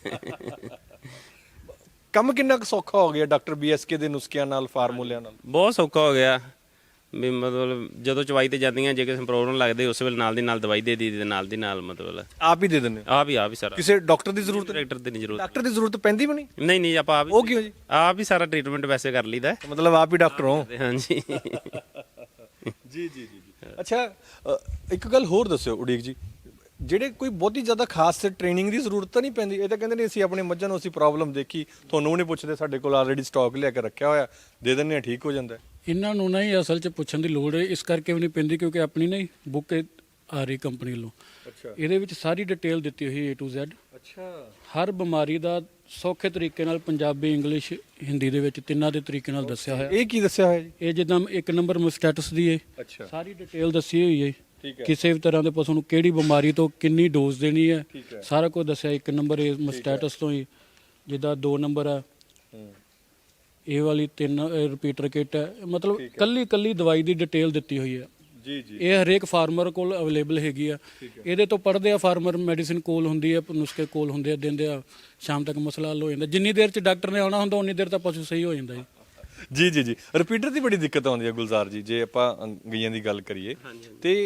ਕੰਮ ਕਿੰਨਾ ਕੁ ਸੌਖਾ ਹੋ ਗਿਆ ਡਾਕਟਰ ਬੀਐਸਕੇ ਦੇ ਨੁਸਖਿਆਂ ਨਾਲ, ਫਾਰਮੂਲਿਆਂ ਨਾਲ? ਬਹੁਤ ਸੌਖਾ ਹੋ ਗਿਆ ਵੀ, ਮਤਲਬ ਜਦੋਂ ਚਵਾਈ ਤੇ ਜਾਂਦੀਆਂ, ਜੇ ਕਿਸੇ ਨੂੰ ਪ੍ਰੋਬਲਮ ਲੱਗਦੀ ਉਸ ਵੇਲੇ ਨਾਲ ਦੀ ਨਾਲ ਦਵਾਈ ਦੇ ਦੀ, ਤੇ ਨਾਲ ਦੀ ਨਾਲ ਮਤਲਬ ਆਪ ਹੀ ਦੇ ਦਿੰਦੇ ਹੋ? ਆਪ ਹੀ ਆਪ ਹੀ ਸਾਰਾ, ਕਿਸੇ ਡਾਕਟਰ ਦੀ ਜ਼ਰੂਰਤ ਨਹੀਂ? ਡਾਕਟਰ ਦੀ ਨਹੀਂ ਜ਼ਰੂਰਤ। ਡਾਕਟਰ ਦੀ ਜ਼ਰੂਰਤ ਪੈਂਦੀ ਵੀ ਨਹੀਂ? ਨਹੀਂ ਨਹੀਂ ਆਪਾਂ ਆਪ ਹੀ, ਉਹ ਕਿਉਂ ਜੀ? ਆਪ ਹੀ ਸਾਰਾ ਟ੍ਰੀਟਮੈਂਟ ਵੈਸੇ ਕਰ ਲਈਦਾ। ਮਤਲਬ ਆਪ ਹੀ ਡਾਕਟਰ ਹੋ? ਹਾਂਜੀ ਜੀ ਜੀ ਜੀ। ਅੱਛਾ ਅ, ਇੱਕ ਗੱਲ ਹੋਰ ਦੱਸਿਓ ਉਡੀਕ ਜੀ, ਜਿਹੜੇ ਕੋਈ ਬਹੁਤੀ ਜ਼ਿਆਦਾ ਖਾਸ ਟ੍ਰੇਨਿੰਗ ਦੀ ਜ਼ਰੂਰਤ ਤਾਂ ਨਹੀਂ ਪੈਂਦੀ? ਇਹ ਤਾਂ ਕਹਿੰਦੇ ਨੇ ਅਸੀਂ ਆਪਣੇ ਮੱਝਾਂ ਨੂੰ ਅਸੀਂ ਪ੍ਰੋਬਲਮ ਦੇਖੀ, ਤੁਹਾਨੂੰ ਵੀ ਨਹੀਂ ਪੁੱਛਦੇ, ਸਾਡੇ ਕੋਲ ਆਲਰੇਡੀ ਸਟਾਕ ਲਿਆ ਕੇ ਰੱਖਿਆ ਹੋਇਆ, ਦੇ ਦਿੰਦੇ ਆ, ਠੀਕ ਹੋ ਜਾਂਦਾ। ਇਹਨਾਂ ਨੂੰ ਨਹੀਂ ਅਸਲ 'ਚ ਪੁੱਛਣ ਦੀ ਲੋੜ ਹੈ, ਇਸ ਕਰਕੇ ਵੀ ਨਹੀਂ ਪੈਂਦੀ ਕਿਉਂਕਿ ਆਪਣੀ ਨਹੀਂ ਬੁੱਕ ਆ ਰਹੀ ਕੰਪਨੀ ਵੱਲੋਂ। ਅੱਛਾ ਇਹਦੇ ਵਿੱਚ ਸਾਰੀ ਡਿਟੇਲ ਦਿੱਤੀ ਹੋਈ ਏ ਟੂ ਜ਼ੈਡ। ਅੱਛਾ। ਹਰ ਬਿਮਾਰੀ ਦਾ ਸੌਖੇ ਤਰੀਕੇ ਨਾਲ ਪੰਜਾਬੀ, ਇੰਗਲਿਸ਼, ਹਿੰਦੀ ਦੇ ਵਿੱਚ ਤਿੰਨਾਂ ਦੇ ਤਰੀਕੇ ਨਾਲ ਦੱਸਿਆ ਹੋਇਆ। ਇਹ ਕੀ ਦੱਸਿਆ ਹੋਇਆ ਜੀ? ਇਹ ਜਿੱਦਾਂ ਇੱਕ ਨੰਬਰ ਮਸਟੈਟਸ ਦੀ ਏ, ਅੱਛਾ ਸਾਰੀ ਡਿਟੇਲ ਦੱਸੀ ਹੋਈ ਏ, ਠੀਕ ਹੈ। ਕਿਸੇ ਵੀ ਤਰ੍ਹਾਂ ਦੇ ਪਸ਼ੂ ਨੂੰ ਕਿਹੜੀ ਬਿਮਾਰੀ ਤੋਂ ਕਿੰਨੀ ਡੋਜ਼ ਦੇਣੀ ਹੈ, ਠੀਕ ਹੈ। ਸਾਰਾ ਕੁਝ ਦੱਸਿਆ। ਇੱਕ ਨੰਬਰ ਇਹ ਮਸਟੈਟਸ ਤੋਂ ਹੀ, ਜਿੱਦਾਂ ਦੋ ਨੰਬਰ ਆ ਇਹ ਵਾਲੀ, ਤਿੰਨ ਰਿਪੀਟਰ ਕਿੱਟ ਹੈ, ਮਤਲਬ ਕੱਲੀ ਕੱਲੀ ਦਵਾਈ ਦੀ ਡਿਟੇਲ ਦਿੱਤੀ ਹੋਈ ਹੈ। ਜੀ ਜੀ। ਇਹ ਹਰੇਕ ਫਾਰਮਰ ਕੋਲ ਅਵੇਲੇਬਲ ਹੈਗੀ ਆ। ਇਹਦੇ ਤੋਂ ਪੜ੍ਹਦੇ ਆ ਫਾਰਮਰ, ਮੈਡੀਸਿਨ ਕੋਲ ਹੁੰਦੀ ਆ, ਨੁਸਖੇ ਕੋਲ ਹੁੰਦੇ ਆ, ਦਿੰਦੇ ਆ, ਸ਼ਾਮ ਤੱਕ ਮਸਲਾ ਹੱਲ ਹੋ ਜਾਂਦਾ। ਜਿੰਨੀ ਦੇਰ ਚ ਡਾਕਟਰ ਨੇ ਆਉਣਾ ਹੁੰਦਾ ਉਨੀ ਦੇਰ ਤਾਂ ਪਸ਼ੂ ਸਹੀ ਹੋ ਜਾਂਦਾ ਜੀ। ਜੀ ਜੀ ਜੀ। ਰਿਪੀਟਰ ਦੀ ਬੜੀ ਦਿੱਕਤ ਆਉਂਦੀ ਹੈ ਗੁਲਜ਼ਾਰ ਜੀ, ਜੇ ਆਪਾਂ ਗਈਆਂ ਦੀ ਗੱਲ ਕਰੀਏ, ਤੇ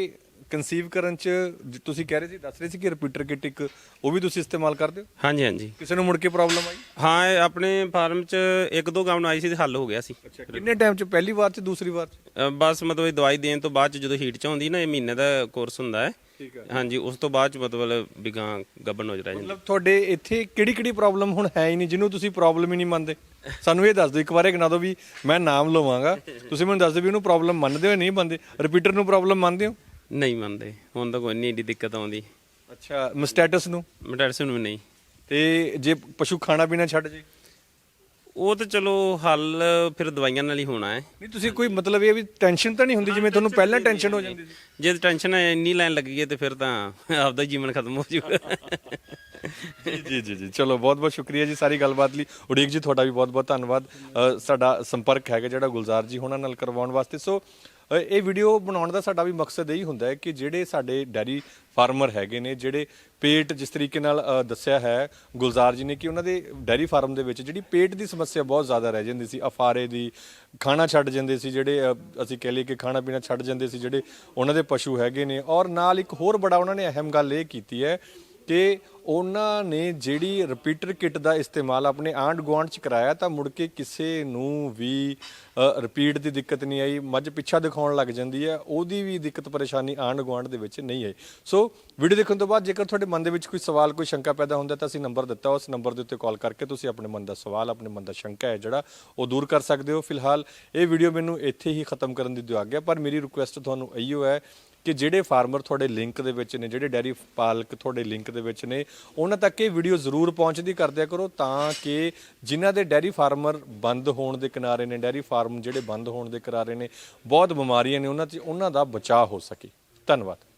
ਕਨਸੀਵ ਕਰਨ ਚ ਜ- ਤੁਸੀਂ ਕਹਿ ਰਹੇ ਸੀ ਦੱਸ ਰਹੇ ਸੀ ਕਿ ਰਿਪੀਟਰ ਕਿਟ ਇੱਕ ਉਹ ਵੀ ਤੁਸੀਂ ਇਸਤੇਮਾਲ ਕਰਦੇ ਹੋ? ਹਾਂਜੀ ਹਾਂਜੀ ਕਿਸੇ ਨੂੰ ਮੁੜ ਕੇ ਪ੍ਰੋਬਲਮ ਆਈ? ਹਾਂ ਇਹ ਆਪਣੇ ਫਾਰਮ 'ਚ ਇੱਕ ਦੋ ਗਾਉਣ ਆਈ ਸੀ ਤੇ ਹੱਲ ਹੋ ਗਿਆ ਸੀ। ਅੱਛਾ, ਕਿੰਨੇ ਟਾਈਮ ਚ? ਪਹਿਲੀ ਵਾਰ ਚ, ਦੂਸਰੀ ਵਾਰ ਚ? ਅ, ਬਸ ਮਤਲਬ ਇਹ ਦਵਾਈ ਦੇਣ ਤੋਂ ਬਾਅਦ 'ਚ ਜਦੋਂ ਹੀਟ 'ਚ ਆਉਂਦੀ ਨਾ, ਇਹ ਮਹੀਨੇ ਦਾ ਕੋਰਸ ਹੁੰਦਾ ਹੈ। ਠੀਕ ਹੈ। ਹਾਂਜੀ, ਉਸ ਤੋਂ ਬਾਅਦ 'ਚ ਮਤਲਬ ਵੀ ਗਾਂ ਗੱਭਣ ਹੋ ਜਾ ਜਾਂਦੀ। ਮਤਲਬ ਤੁਹਾਡੇ ਇੱਥੇ ਕਿਹੜੀ ਕਿਹੜੀ ਪ੍ਰੋਬਲਮ ਹੁਣ ਹੈ ਹੀ ਨਹੀਂ ਜਿਹਨੂੰ ਤੁਸੀਂ ਪ੍ਰੋਬਲਮ ਹੀ ਨਹੀਂ ਮੰਨਦੇ? ਸਾਨੂੰ ਇਹ ਦੱਸ ਦਿਓ, ਇੱਕ ਵਾਰ ਇਹ ਗਿਣਾ ਦਿਓ ਵੀ ਮੈਂ ਨਾਮ ਲਵਾਂਗਾ, ਤੁਸੀਂ ਮੈਨੂੰ ਦੱਸ ਦਿਓ ਵੀ ਉਹਨੂੰ ਪ੍ਰੋਬਲਮ ਮੰਨਦੇ ਹੋ ਨਹੀਂ ਮੰਨਦੇ? ਰਿਪੀਟਰ ਨੂੰ ਪ੍ਰੋਬਲਮ ਮੰਨਦੇ ਹੋ? ਨਹੀਂ ਮੰਨਦੇ, ਹੁਣ ਤਾਂ ਕੋਈ ਨਹੀਂ ਏਡੀ ਦਿੱਕਤ ਆਉਂਦੀ। ਅੱਛਾ, ਮਸਟੈਟਸ ਨੂੰ? ਮੈਡੀਸਨ ਵੀ ਨਹੀਂ। ਤੇ ਜੇ ਪਸ਼ੂ ਖਾਣਾ ਪੀਣਾ ਛੱਡ ਜੇ? ਉਹ ਤਾਂ ਚਲੋ ਹੱਲ ਫਿਰ ਦਵਾਈਆਂ ਨਾਲ ਹੀ ਹੋਣਾ ਹੈ। ਨਹੀਂ, ਤੁਸੀਂ ਕੋਈ ਮਤਲਬ ਇਹ ਵੀ ਟੈਨਸ਼ਨ ਤਾਂ ਨਹੀਂ ਹੁੰਦੀ ਜਿਵੇਂ ਤੁਹਾਨੂੰ ਪਹਿਲਾਂ ਟੈਨਸ਼ਨ ਹੋ ਜਾਂਦੀ ਸੀ? ਜੇ ਟੈਨਸ਼ਨ ਇੰਨੀ ਲੈਣ ਲੱਗ ਗਈ ਤੇ ਫਿਰ ਤਾਂ ਆਪਦਾ ਹੀ ਜੀਵਨ ਖਤਮ ਹੋ ਜਾਊਗਾ। ਜੀ ਜੀ ਜੀ, ਚਲੋ ਬਹੁਤ ਬਹੁਤ ਸ਼ੁਕਰੀਆ ਜੀ ਸਾਰੀ ਗੱਲਬਾਤ ਲਈ। ਉਡੀਕ ਜੀ ਤੁਹਾਡਾ ਵੀ ਬਹੁਤ ਬਹੁਤ ਧੰਨਵਾਦ। ਅ, ਸਾਡਾ ਸੰਪਰਕ ਹੈਗਾ ਜਿਹੜਾ ਗੁਲਜ਼ਾਰ ਜੀ ਉਹਨਾਂ ਨਾਲ ਕਰਵਾਉਣ ਵਾਸਤੇ। ਸੋ ਅ, ਇਹ ਵੀਡੀਓ ਬਣਾਉਣ ਦਾ ਸਾਡਾ ਵੀ ਮਕਸਦ ਇਹੀ ਹੁੰਦਾ ਹੈ ਕਿ ਜਿਹੜੇ ਸਾਡੇ ਡੈਰੀ ਫਾਰਮਰ ਹੈਗੇ ਨੇ, ਜਿਹੜੇ ਪੇਟ ਜਿਸ ਤਰੀਕੇ ਨਾਲ ਅ, ਦੱਸਿਆ ਹੈ ਗੁਲਜ਼ਾਰ ਜੀ ਨੇ ਕਿ ਉਹਨਾਂ ਦੇ ਡੈਰੀ ਫਾਰਮ ਦੇ ਵਿੱਚ ਜਿਹੜੀ ਪੇਟ ਦੀ ਸਮੱਸਿਆ ਬਹੁਤ ਜ਼ਿਆਦਾ ਰਹਿ ਜਾਂਦੀ ਸੀ, ਅਫਾਰੇ ਦੀ, ਖਾਣਾ ਛੱਡ ਜਾਂਦੇ ਸੀ ਜਿਹੜੇ, ਅ, ਅਸੀਂ ਕਹਿ ਲਈਏ ਕਿ ਖਾਣਾ ਪੀਣਾ ਛੱਡ ਜਾਂਦੇ ਸੀ ਜਿਹੜੇ ਉਹਨਾਂ ਦੇ ਪਸ਼ੂ ਹੈਗੇ ਨੇ। ਔਰ ਨਾਲ ਇੱਕ ਹੋਰ ਬੜਾ ਉਹਨਾਂ ਨੇ ਅਹਿਮ ਗੱਲ ਇਹ ਕੀਤੀ ਹੈ ਕਿ ਉਹਨਾਂ ਨੇ ਜਿਹੜੀ ਰਿਪੀਟਰ ਕਿਟ ਦਾ ਇਸਤੇਮਾਲ ਆਪਣੇ ਆਂਢ ਗੁਆਂਢ ਚ ਕਰਾਇਆ ਤਾਂ ਮੁੜ ਕੇ ਕਿਸੇ ਨੂੰ ਵੀ ਰਿਪੀਟ ਦੀ ਦਿੱਕਤ ਨਹੀਂ ਆਈ। ਮੱਝ ਪਿੱਛਾ ਦਿਖਾਉਣ ਲੱਗ ਜਾਂਦੀ ਹੈ, ਉਹਦੀ ਵੀ ਦਿੱਕਤ ਪਰੇਸ਼ਾਨੀ ਆਂਢ ਗੁਆਂਢ ਦੇ ਵਿੱਚ ਨਹੀਂ ਆਈ। ਸੋ ਵੀਡੀਓ ਦੇਖਣ ਤੋਂ ਬਾਅਦ ਜੇਕਰ ਤੁਹਾਡੇ ਮਨ ਦੇ ਵਿੱਚ ਕੋਈ ਸਵਾਲ, ਕੋਈ ਸ਼ੰਕਾ ਪੈਦਾ ਹੁੰਦਾ ਤਾਂ ਅਸੀਂ ਨੰਬਰ ਦਿੱਤਾ, ਉਸ ਨੰਬਰ ਦੇ ਉੱਤੇ ਕਾਲ ਕਰਕੇ ਤੁਸੀਂ ਆਪਣੇ ਮਨ ਦਾ ਸਵਾਲ, ਆਪਣੇ ਮਨ ਦਾ ਸ਼ੰਕਾ ਹੈ ਜਿਹੜਾ ਉਹ ਦੂਰ ਕਰ ਸਕਦੇ ਹੋ। ਫਿਲਹਾਲ ਇਹ ਵੀਡੀਓ ਮੈਨੂੰ ਇੱਥੇ ਹੀ ਖਤਮ ਕਰਨ ਦੀ ਦਿਓ ਆਗਿਆ, ਪਰ ਮੇਰੀ ਰਿਕੁਐਸਟ ਤੁਹਾਨੂੰ ਇਹੀਓ ਹੈ ਕਿ ਜਿਹੜੇ ਫਾਰਮਰ ਤੁਹਾਡੇ ਲਿੰਕ ਦੇ ਵਿੱਚ ਨੇ, ਜਿਹੜੇ ਡੈਰੀ ਪਾਲਕ ਤੁਹਾਡੇ ਲਿੰਕ ਦੇ ਵਿੱਚ ਨੇ, ਉਹਨਾਂ ਤੱਕ ਇਹ ਵੀਡੀਓ ਜ਼ਰੂਰ ਪਹੁੰਚਦੀ ਕਰ ਦਿਆ ਕਰੋ ਤਾਂ ਕਿ ਜਿਨ੍ਹਾਂ ਦੇ ਡੈਰੀ ਫਾਰਮਰ ਬੰਦ ਹੋਣ ਦੇ ਕਿਨਾਰੇ ਨੇ, ਡੈਰੀ ਫਾਰਮ ਜਿਹੜੇ ਬੰਦ ਹੋਣ ਦੇ ਕਿਨਾਰੇ ਨੇ, ਬਹੁਤ ਬਿਮਾਰੀਆਂ ਨੇ ਉਹਨਾਂ 'ਚ, ਉਹਨਾਂ ਦਾ ਬਚਾਅ ਹੋ ਸਕੇ। ਧੰਨਵਾਦ।